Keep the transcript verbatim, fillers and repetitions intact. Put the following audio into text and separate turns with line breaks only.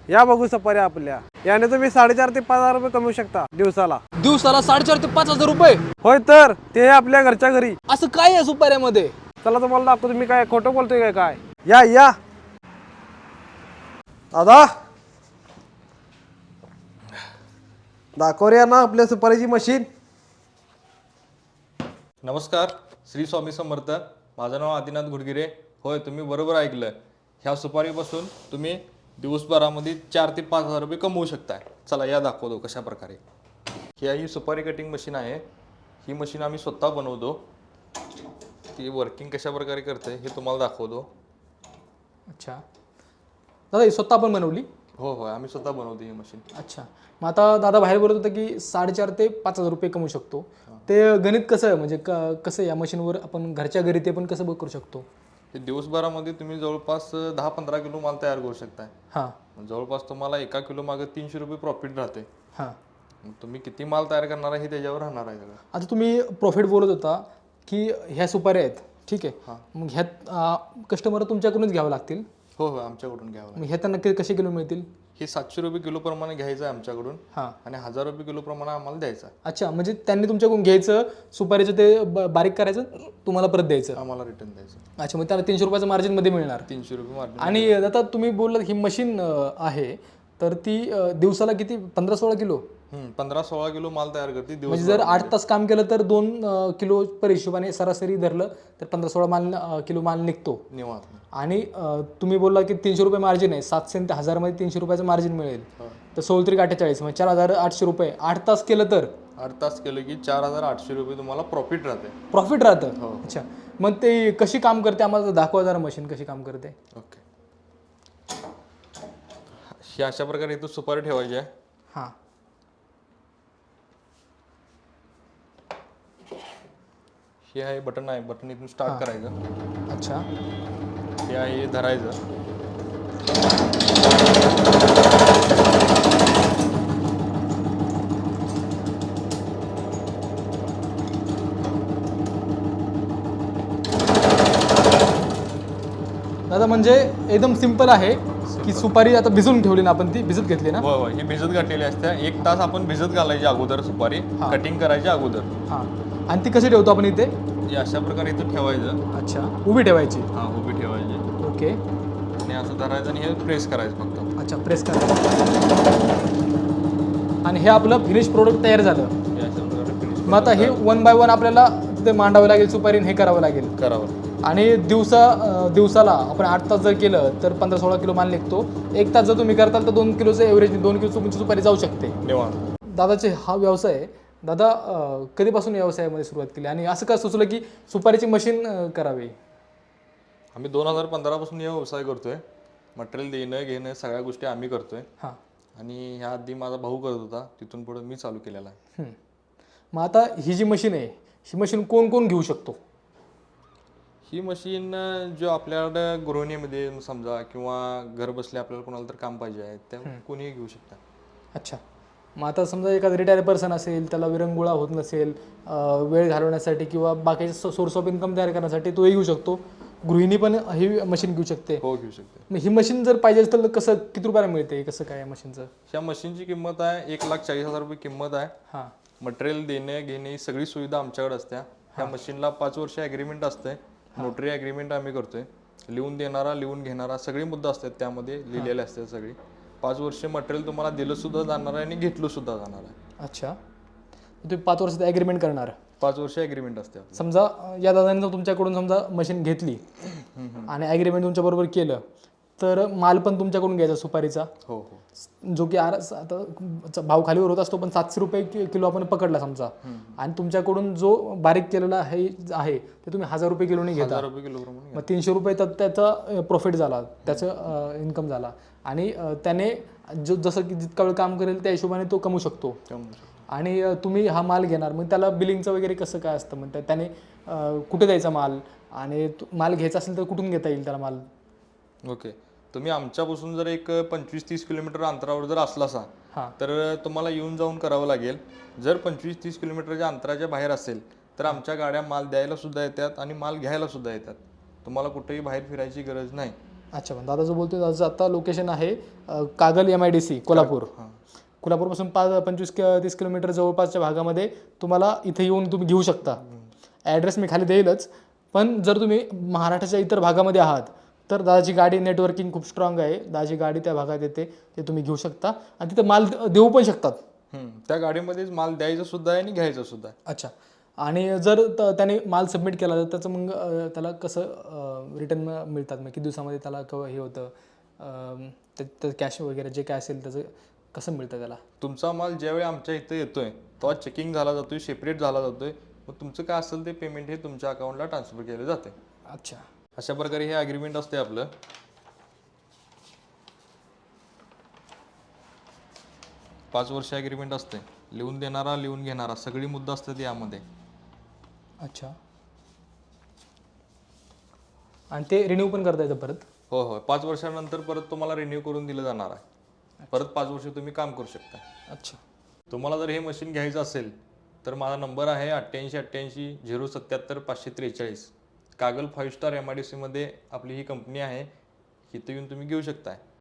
या बघू सुपारी आपल्या, याने तुम्ही साडेचार ते पाच हजार रुपये कमवू शकता दिवसाला.
दिवसाला साडेचार ते पाच हजार रुपये?
होय तर, ते आपल्या घरच्या घरी.
असं काय आहे सुपाऱ्यामध्ये?
चला तुम्हाला दाखवतो. तुम्ही काय खोटं बोलतोय काय? काय या या दादा, दाखव रे ना आपल्या सुपारीची मशीन.
नमस्कार, श्री स्वामी समर्थ. माझं नाव आदिनाथ गुडगिरे. होय, तुम्ही बरोबर ऐकलं. ह्या सुपारीपासून तुम्ही दिवसभरामध्ये चार ते पाच हजार रुपये कमवू शकताय. चला या दाखवतो कशा प्रकारे. ही ही सुपारी कटिंग मशीन आहे. ही मशीन आम्ही स्वतः बनवतो. ती वर्किंग कशा प्रकारे करते हे तुम्हाला दाखवतो.
अच्छा दादा, ही स्वतः आपण बनवली?
हो हो, आम्ही स्वतः बनवतो ही मशीन.
अच्छा, मग आता दादा बाहेर बोलत होता की साडेचार ते पाच हजार रुपये कमवू शकतो. ते गणित कसं आहे, म्हणजे क कसं या मशीनवर आपण घरच्या घरी ते पण कसं करू शकतो?
हे दिवसभरामध्ये तुम्ही जवळपास दहा पंधरा किलो माल तयार करू शकताय.
हां,
जवळपास तुम्हाला एका किलो मागे तीनशे रुपये प्रॉफिट राहते.
हां.
मग तुम्ही किती माल तयार करणार आहे हे त्याच्यावर राहणार आहे सगळं.
आता तुम्ही प्रॉफिट बोलत होता की ह्या सुपाऱ्या आहेत, ठीक आहे. मग ह्यात कस्टमर तुमच्याकडूनच घ्यावं लागतील?
हो हो, आमच्याकडून घ्यावं लागेल.
मग ह्या त्यांना कसे किलो मिळतील?
हे सातशे रुपये किलो प्रमाणे घ्यायचं आहे आमच्याकडून.
हां.
आणि हजार रुपये किलो प्रमाणे आम्हाला द्यायचं आहे.
अच्छा, म्हणजे त्यांनी तुमच्याकडून घ्यायचं, सुपारीचं ते ब- बारीक करायचं, तुम्हाला परत द्यायचं.
आम्हाला रिटर्न द्यायचं.
अच्छा, मग त्याला तीनशे रुपयाचं मार्जिनमध्ये मिळणार.
तीनशे रुपये मार्जिन.
आणि आता तुम्ही बोललात ही मशीन आहे, तर ती अ, दिवसाला किती, पंधरा सोळा किलो?
पंधरा सोळा किलो माल तयार करते दिवस.
म्हणजे जर आठ तास काम केलं तर दोन अ, किलो पर हिशोबाने सरासरी धरलं तर पंधरा सोळा माल अ, किलो माल निघतो.
निवांत.
आणि अ, तुम्ही बोलला की तीनशे रुपये मार्जिन आहे, सातशे ते हजारमध्ये तीनशे रुपयाचं मार्जिन मिळेल. तर सोळ त्रिक अठ्ठेचाळीस, म्हणजे चार हजार आठशे रुपये आठ तास केलं तर
आठ तास केलं की चार हजार आठशे रुपये तुम्हाला प्रॉफिट राहते.
प्रॉफिट राहतं.
हो.
अच्छा, मग ते कशी काम करते आम्हाला दाखवा जरा, मशीन कशी काम करते.
ओके. ही अशा प्रकारे इथं सुपारी ठेवायची आहे.
हां,
हे आहे बटन आहे, बटन इथून स्टार्ट करायचं.
अच्छा.
हे आहे हे धरायचं.
दादा म्हणजे एकदम सिंपल आहे की सुपारी आता भिजून ठेवली ना आपण, ती भिजत घेतली ना?
हो हो, ही भिजत घातलेली असते. एक तास आपण भिजत घालायची अगोदर सुपारी, कटिंग करायची अगोदर.
हां, आणि ती कशी ठेवतो आपण इथे?
हे अशा प्रकारे इथं ठेवायचं.
अच्छा, उभी ठेवायची.
हा, उभी ठेवायची.
ओके.
आणि असं धरायचं आणि हे प्रेस करायचं फक्त.
अच्छा, प्रेस करायचं. आणि हे आपलं फिनिश प्रोडक्ट तयार झालं.
हे अशा प्रकारे फिनिश
मग आता हे वन बाय वन आपल्याला तिथे मांडावं लागेल सुपारी, हे करावं लागेल.
करावं.
आणि दिवसा अं, दिवसाला आपण आठ तास जर केलं तर पंधरा सोळा किलो माल निघतो. एक तास जर तुम्ही करताल तर दोन किलोचं एव्हरेज, दोन किलो तुमची सुपारी जाऊ शकते.
निवांत.
दादाचे हा व्यवसाय आहे. दादा अं, कधीपासून व्यवसायामध्ये सुरुवात केली आणि असं का सुचलं की सुपारीची मशीन अं, करावी?
आम्ही दोन हजार पंधरा पासून हा व्यवसाय करतोय. मटेरियल देणं घेणं सगळ्या गोष्टी आम्ही करतोय.
हां.
आणि ह्या आधी माझा भाऊ करत होता, तिथून पुढे मी चालू केलेला आहे.
हं. मग आता ही जी मशीन आहे, ही मशीन कोण कोण घेऊ शकतो?
ही मशीन जो आपल्याकडं गृहिणीमध्ये समजा किंवा घर बसल्या आपल्याला कोणाला तर काम पाहिजे आहे त्या कोणीही घेऊ शकता.
अच्छा, मग आता समजा एखादा रिटायर पर्सन असेल, त्याला विरंगुळा होत नसेल, अं, वेळ घालवण्यासाठी किंवा बाकीचे सोर्स ऑफ इन्कम तयार करण्यासाठी तोही घेऊ शकतो. गृहिणी पण ही मशीन घेऊ शकते.
हो, घेऊ शकते.
मग ही मशीन जर पाहिजे असेल तर कसं, किती रुपयाला मिळते, कसं काय या मशीनचं?
ह्या मशीनची किंमत आहे एक लाख चाळीस हजार रुपये किंमत आहे.
हां.
मटेरियल देणे घेणे ही सगळी सुविधा आमच्याकडे असते. ह्या मशीनला पाच वर्ष ॲग्रीमेंट असते. नोटरी ॲग्रीमेंट आम्ही करतोय. लिहून देणारा, लिहून घेणारा सगळी मुद्दा असतात त्यामध्ये लिहिलेले असतात सगळी. पाच वर्ष मटेरियल तुम्हाला दिलं सुद्धा जाणार आहे आणि घेतलं सुद्धा जाणार आहे.
अच्छा, तुम्ही पाच वर्षात ॲग्रीमेंट करणार?
पाच वर्ष ॲग्रीमेंट असते.
समजा अं, या दादाने जर तुमच्याकडून समजा मशीन घेतली आणि ॲग्रीमेंट तुमच्याबरोबर केलं तर माल पण तुमच्याकडून घ्यायचा सुपारीचा.
हो हो.
जो की आर आता भाव खालीवर होत असतो, पण सातशे रुपये कि- किलो आपण पकडला समजा, आणि तुमच्याकडून जो बारीक केलेला आहे आहे ते तुम्ही हजार रुपये किलोने घेता.
हजार रुपये किलो प्रमाणे.
मग तीनशे रुपये तर त्याचा प्रॉफिट झाला, त्याचं इन्कम झाला. आणि अं, त्याने जो जसं की जितका वेळ काम करेल त्या हिशोबाने तो कमवू शकतो. आणि अं, तुम्ही हा माल घेणार, मग त्याला बिलिंगचं वगैरे कसं काय असतं, म्हणजे त्याने अं, कुठे द्यायचा माल, आणि तो- माल घ्यायचा असेल तर कुठून घेता येईल त्याला माल?
ओके, तुम्ही आमच्यापासून जर एक पंचवीस तीस किलोमीटर अंतरावर जर असला असा
हां.
तर तुम्हाला येऊन जाऊन करावं लागेल. जर पंचवीस तीस किलोमीटरच्या अंतराच्या बाहेर असेल तर आमच्या गाड्या माल द्यायला सुद्धा येतात आणि माल घ्यायला सुद्धा येतात. तुम्हाला कुठेही बाहेर फिरायची गरज नाही.
अच्छा पण दादा जो बोलतोय दादाचं आता लोकेशन आहे अ, Kagal M I D C Kolhapur. कोल्हापूरपासून पाच पंचवीस कि तीस किलोमीटर जवळपासच्या भागामध्ये तुम्हाला इथे येऊन तुम्ही घेऊ शकता. ॲड्रेस मी खाली देईलच. पण जर तुम्ही महाराष्ट्राच्या इतर भागामध्ये आहात तर दादाची गाडी नेटवर्किंग खूप स्ट्रॉंग आहे. दादाची गाडी त्या भागात येते ते तुम्ही घेऊ शकता आणि तिथे माल देऊ पण शकतात.
हम्म, त्या गाडीमध्येच माल द्यायचा सुद्धा आहे आणि घ्यायचा सुद्धा आहे.
अच्छा आणि जर त- त्याने माल सबमिट केला तर त्याचं मग अ, त्याला कसं रिटर्न मिळतात मग किती दिवसामध्ये त्याला कव हे होतं अम, ते- ते कॅश वगैरे जे काय असेल त्याचं कसं मिळतं त्याला.
तुमचा माल ज्यावेळी आमच्या इथं येतोय तेव्हा चेकिंग झाला जातोय, सेपरेट झाला जातोय. मग तुमचं काय असेल ते पेमेंट हे तुमच्या अकाउंटला ट्रान्सफर केलं जाते.
अच्छा
अशा प्रकारे हे अग्रीमेंट असते आपलं. पाच वर्ष अग्रीमेंट असते. लिहून देणारा लिहून घेणारा सगळी मुद्दा असतात यामध्ये.
अच्छा आणि ते रिन्यू पण करता येतं परत.
हो हो पाच वर्षानंतर परत तुम्हाला रिन्यू करून दिलं जाणार आहे. परत पाच वर्ष तुम्ही काम करू शकता.
अच्छा
तुम्हाला जर हे मशीन घ्यायचं असेल तर माझा नंबर आहे अठ्ठ्याऐंशी अठ्ठ्याऐंशी झिरो सत्याहत्तर पाचशे त्रेचाळीस. Kagal five star M I D सीमध्ये आपली ही कंपनी आहे. इथं येऊन तुम्ही घेऊ शकता.